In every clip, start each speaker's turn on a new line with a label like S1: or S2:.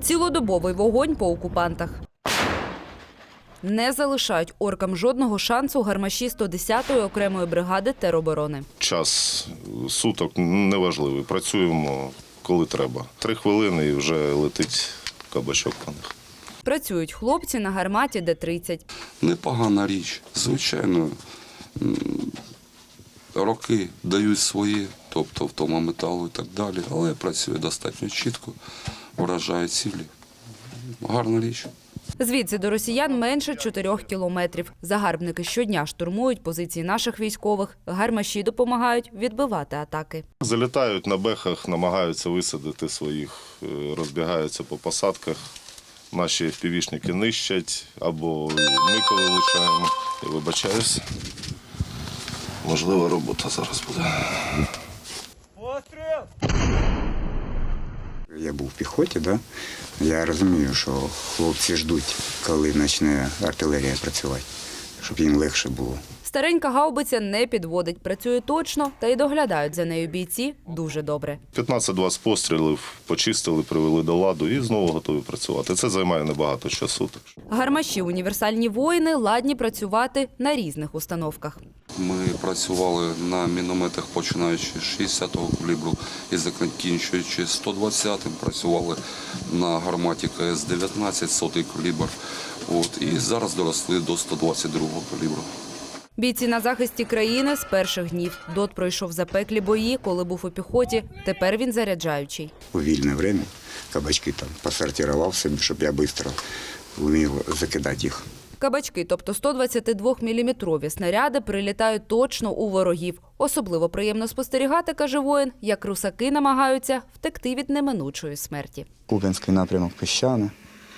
S1: Цілодобовий вогонь по окупантах. Не залишають оркам жодного шансу гармаші 110-ї окремої бригади тероборони.
S2: Час суток неважливий. Працюємо, коли треба. 3 хвилини і вже летить кабачок по них.
S1: Працюють хлопці на гарматі Д-30.
S3: Непогана річ. Звичайно, роки дають свої, тобто втома металу і так далі, але працює достатньо чітко, вражає цілі. Гарна річ.
S1: Звідси до росіян менше 4 кілометрів. Загарбники щодня штурмують позиції наших військових. Гармаші допомагають відбивати атаки.
S2: Залітають на бехах, намагаються висадити своїх, розбігаються по посадках. Наші півішники нищать, або ми коли влучаємо. Я вибачаюсь. Можлива робота зараз буде.
S4: Я був в піхоті, да? Я розумію, що хлопці ждуть, коли почне артилерія працювати, щоб їм легше було.
S1: Старенька гаубиця не підводить, працює точно, та й доглядають за нею бійці дуже добре.
S2: 15-20 пострілів почистили, привели до ладу і знову готові працювати. Це займає небагато часу.
S1: Гармаші «Універсальні воїни» ладні працювати на різних установках.
S3: Ми працювали на мінометах, починаючи з 60-го калібру і закінчуючи 120-м. Працювали на гарматі КС-19, 100-й калібр. І зараз доросли до 122-го калібру.
S1: Бійці на захисті країни з перших днів. ДОТ пройшов запеклі бої, коли був у піхоті. Тепер він заряджаючий.
S4: У вільне час кабачки там посортував собі, щоб я швидко вмів закидати їх.
S1: Кабачки, тобто 122-мм снаряди, прилітають точно у ворогів. Особливо приємно спостерігати, каже воїн, як русаки намагаються втекти від неминучої смерті.
S4: Куп'янський напрямок Піщане.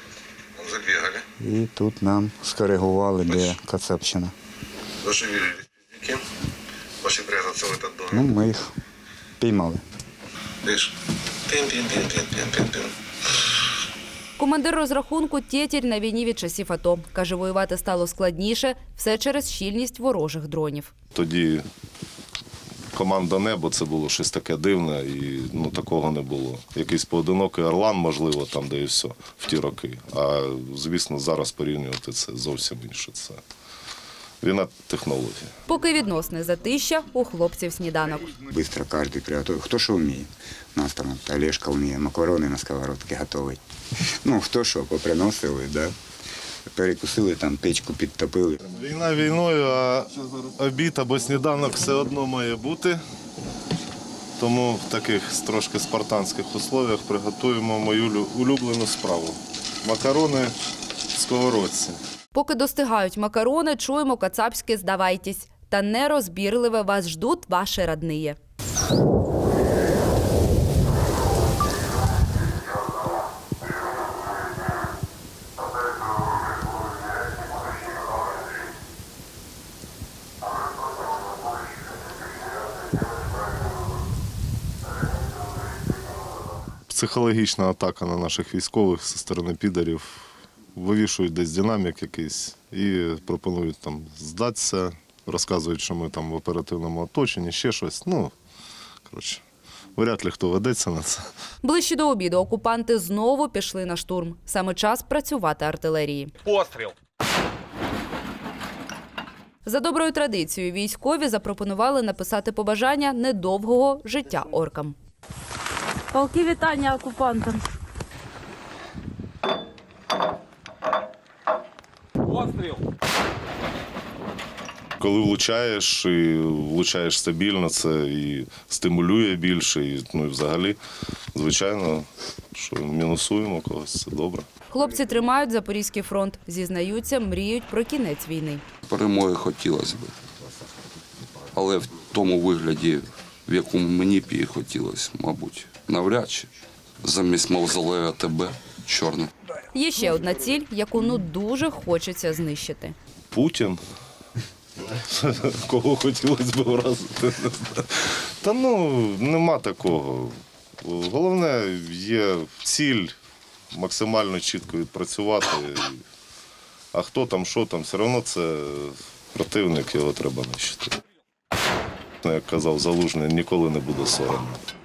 S5: Забегали.
S4: І тут нам скоригували, де Кацапщина.
S5: Зашевелились пиздюки. Пошли прятаться в этот
S4: Ну,
S5: домик.
S4: ми їх піймали.
S5: Видишь? Пин-пин-пин-пин-пин-пин-пин.
S1: Командир розрахунку Тєтєр на війні від часів АТО. Каже, воювати стало складніше, все через щільність ворожих дронів.
S2: Тоді команда «Небо» – це було щось таке дивне, і такого не було. Якийсь поодинокий «Орлан», можливо, там, де і все, в ті роки. А, звісно, зараз порівнювати це зовсім інше. Це війна технології.
S1: Поки відносне затища, у хлопців сніданок.
S4: Быстро кожен приготує. Хто що вміє. У нас там Олешка вміє макарони на сковородці готувати. Ну, хто що, поприносили, да? Перекусили, там печку підтопили.
S2: Війна війною, а обід або сніданок все одно має бути. Тому в таких трошки спартанських условиях приготуємо мою улюблену справу. Макарони в сковородці.
S1: Поки достигають макарони, чуємо кацапське «здавайтесь». Та нерозбірливе вас ждуть ваші родниє.
S2: Психологічна атака на наших військових зі сторони підарів. Вивішують десь динамік якийсь і пропонують там здатися, розказують, що ми там в оперативному оточенні, ще щось. Вряд ли хто ведеться на це.
S1: Ближче до обіду окупанти знову пішли на штурм. Саме час працювати артилерії.
S6: Постріл!
S1: За доброю традицією військові запропонували написати побажання недовгого життя оркам.
S7: Полки вітання окупантам.
S6: Постріл!
S2: Коли влучаєш, і влучаєш стабільно, це і стимулює більше, і взагалі, звичайно, що мінусуємо когось, це добре.
S1: Хлопці тримають Запорізький фронт. Зізнаються, мріють про кінець війни.
S3: Перемоги хотілося б. Але в тому вигляді, в якому мені б її хотілося, мабуть, навряд чи. Замість мавзолея АТБ чорне.
S1: Є ще одна ціль, яку дуже хочеться знищити.
S2: Путін. Кого хотілося б вразити. Та нема такого. Головне, є ціль максимально чітко відпрацювати. А хто там, що там, все одно це противник, його треба нищити. Як казав Залужний, ніколи не буде соромно.